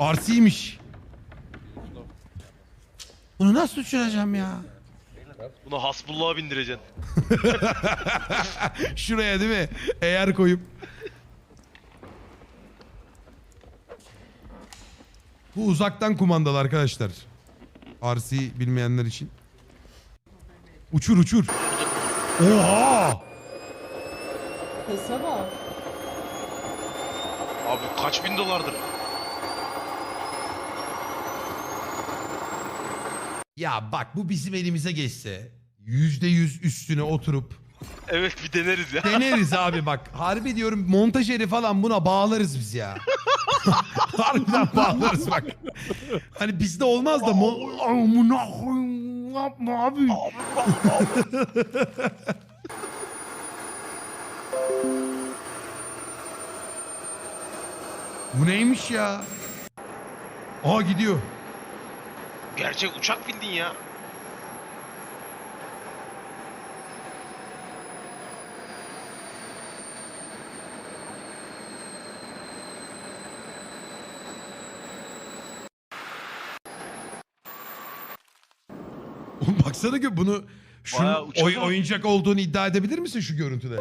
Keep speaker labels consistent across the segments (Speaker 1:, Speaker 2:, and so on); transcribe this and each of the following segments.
Speaker 1: RC'ymiş. Bunu nasıl uçuracağım ya?
Speaker 2: Buna Hasbullah'a bindireceksin.
Speaker 1: Şuraya değil mi? Eğer koyup. Bu uzaktan kumandalı arkadaşlar. RC bilmeyenler için. Uçur uçur. Oha!
Speaker 3: Sese bak.
Speaker 2: Abi kaç bin dolardır?
Speaker 1: Ya bak bu bizim elimize geçse %100 üstüne oturup
Speaker 2: Evet bir deneriz ya.
Speaker 1: deneriz abi bak. Harbi diyorum montajeri falan buna bağlarız biz ya. Harbiden bağlarız bak. Hani bizde olmaz da amına koyayım yapma abi. Bu neymiş ya? Aa gidiyor.
Speaker 2: Gerçek uçak bindin ya.
Speaker 1: Oğlum baksana ki bunu
Speaker 2: Bayağı uçak ama.
Speaker 1: oyuncak olduğunu iddia edebilir misin şu görüntüde?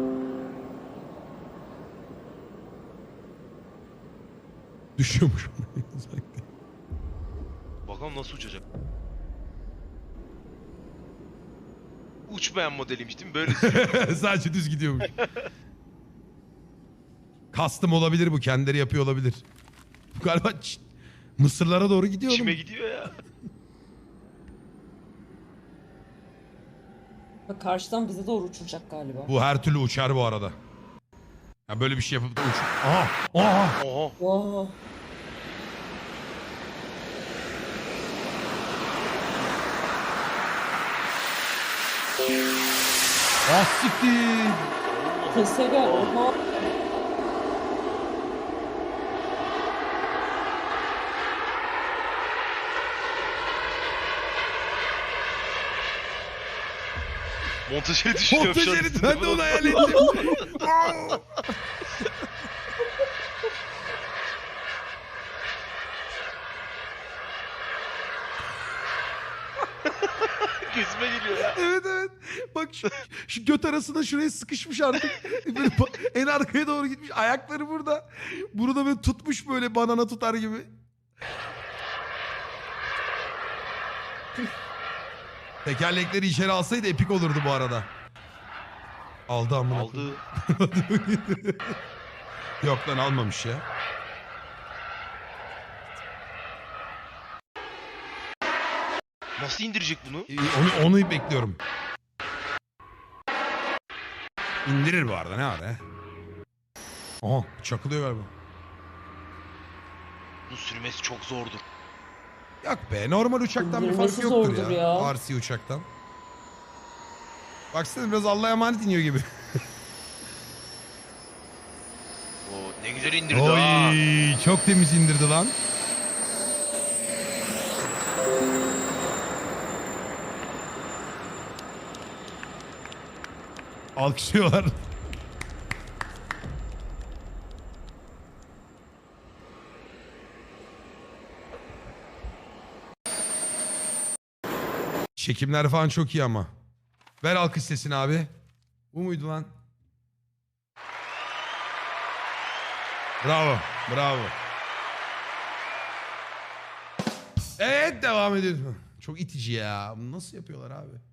Speaker 1: Düşüyormuş.
Speaker 2: Bakalım nasıl uçacak. Uçmayan modeliymiş değil mi? Böyle
Speaker 1: Sadece düz gidiyormuş. Custom olabilir bu. Kendileri yapıyor olabilir. Bu galiba Mısırlara doğru gidiyor
Speaker 2: içime
Speaker 1: oğlum.
Speaker 2: gidiyor ya.
Speaker 3: Bak karşıdan bize doğru uçuracak galiba.
Speaker 1: Bu her türlü uçar bu arada. Ya böyle bir şey yapıp da uç. Aha! Aha!
Speaker 2: Oha.
Speaker 3: Wow.
Speaker 1: Ah siktir!
Speaker 3: Sese gel. Oha.
Speaker 2: Montajeri düşünüyorum şu an.
Speaker 1: Montajeri ben de onu hayal ettim.
Speaker 2: Gözüme geliyor ya.
Speaker 1: Evet evet. Bak şu göt arasında şuraya sıkışmış artık. Böyle en arkaya doğru gitmiş. Ayakları burada. Bunu da böyle tutmuş böyle banana tutar gibi. Tekerlekleri içeri alsaydı epik olurdu bu arada. Aldı amına.
Speaker 2: Aldı.
Speaker 1: Yok lan almamış ya.
Speaker 2: Nasıl indirecek bunu?
Speaker 1: Onu bekliyorum. İndirir bu arada ne var ya? Aha çakılıyor galiba.
Speaker 2: Bu sürmesi çok zordur.
Speaker 1: Yok be normal uçaktan bir
Speaker 3: İndirmesi
Speaker 1: farkı yoktur
Speaker 3: zordur
Speaker 1: ya.
Speaker 3: ya.
Speaker 1: RC uçaktan. Baksana biraz Allah'a emanet iniyor gibi.
Speaker 2: Oo, ne güzel indirdi ha.
Speaker 1: Oy çok temiz indirdi lan. Alkışlıyorlar. Çekimler falan çok iyi ama. Ver alkış sesini abi. Bu muydu lan? Bravo. Bravo. Evet devam ediyoruz. Çok itici ya. Bunu nasıl yapıyorlar abi?